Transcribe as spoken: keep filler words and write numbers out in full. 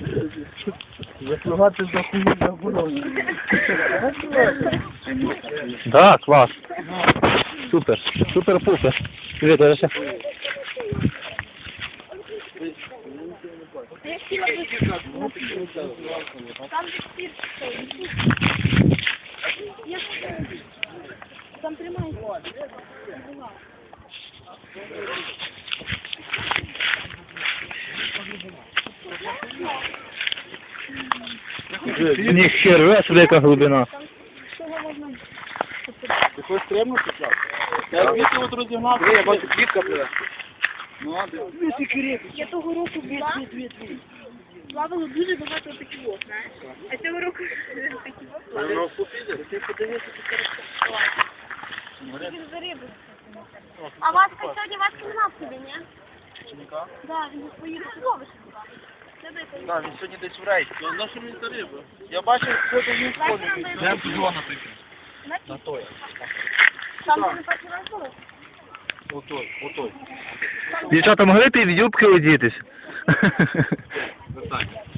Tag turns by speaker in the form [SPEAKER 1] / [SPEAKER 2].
[SPEAKER 1] Заслугати за хуйню заборонено.
[SPEAKER 2] Да, клас. Супер. Супер-пупер. Привіт, Олеся.
[SPEAKER 3] Там же спирт стоит. Там тримайся.
[SPEAKER 2] Ніхера собі яка глибина.
[SPEAKER 1] Ти хочеш стрибнути, Слав? Я звідси от розігнався. Я бачу, клітка пливе. Ну, а де?
[SPEAKER 3] Я того року була. Плавало дуже багато таких, знаєш. А цього року такі
[SPEAKER 1] Ти подивися,
[SPEAKER 3] Він за рибу. А Васька сьогодні Васька нема в собі, ні?
[SPEAKER 1] Ченька?
[SPEAKER 3] Да, він поїхав зловиш.
[SPEAKER 1] Так, він сьогодні десь в рейді. На що мені за риба? Я бачив, що до них ходить. Де зона таке? На той.
[SPEAKER 3] Там не перший раз було?
[SPEAKER 1] Отой, отой.
[SPEAKER 2] Дівчата, могли б і в юбки одітись?